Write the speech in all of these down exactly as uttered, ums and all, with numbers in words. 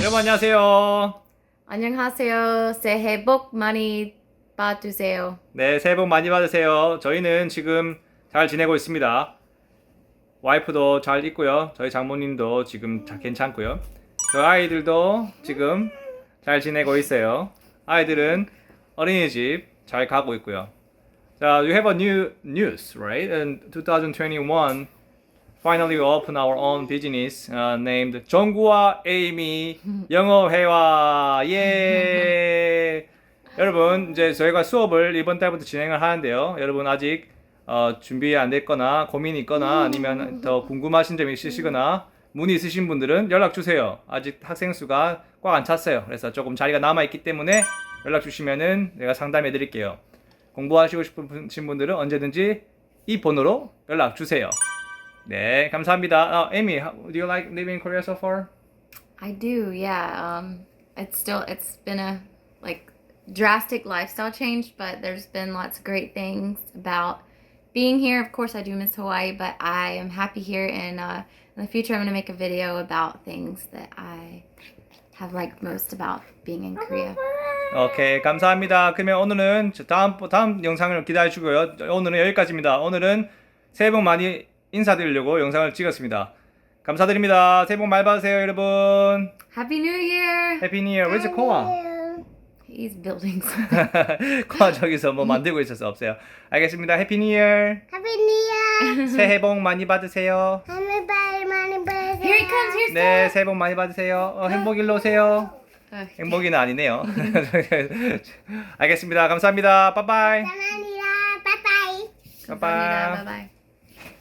여러분 안녕하세요. 안녕하세요. 새해 복 많이 받으세요. 네, 새해 복 많이 받으세요. 저희는 지금 잘 지내고 있습니다. 와이프도 잘 있고요. 저희 장모님도 지금 다 괜찮고요. 저희 아이들도 지금 잘 지내고 있어요. 아이들은 어린이집 잘 가고 있고요. 자, you have a new news, right? In twenty twenty-one, finally we open our own business uh, named 정구와 에이미 영어회화. 예. 여러분, 이제 저희가 수업을 이번 달부터 진행을 하는데요. 여러분 아직 어, 준비 안 됐거나 고민이 있거나 아니면 더 궁금하신 점이 있으시거나 문의 있으신 분들은 연락 주세요. 아직 학생 수가 꽉 안 찼어요. 그래서 조금 자리가 남아 있기 때문에 연락 주시면은 내가 상담해 드릴게요. 공부하시고 싶으신 분들은 언제든지 이 번호로 연락 주세요. 네, 감사합니다. 어, Amy, how, do you like living in Korea so far? I do, yeah. Um, it's still it's been a like drastic lifestyle change, but there's been lots of great things about being here. Of course, I do miss Hawaii, but I am happy here. And uh, in the future, I'm going to make a video about things that I have liked most about being in Korea. 오케이, 감사합니다. 그러면 오늘은 다음 다음 영상을 기다려 주고요. 오늘은 여기까지입니다. 오늘은 새해 복 많이 인사드리려고 영상을 찍었습니다. 감사드립니다. 새해 복 많이 받으세요, 여러분. Happy New Year! 해피 뉴 이어. Where's 코아? He's building something. 코아 저기서 뭐 만들고 있어서 없어요. 알겠습니다. 해피 뉴 이어. Happy New Year! 새해 복 많이 받으세요. Happy 많이 받으세요. Here he comes. Here's 네, 새해 복 많이 받으세요. 어, 행복 일로 오세요. the. 행복이는 아니네요. 알겠습니다. 감사합니다. 빠빠이. 감사합니다. 바이바이. Bye bye.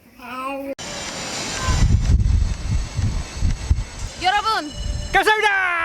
아, 여러분. 감사합니다.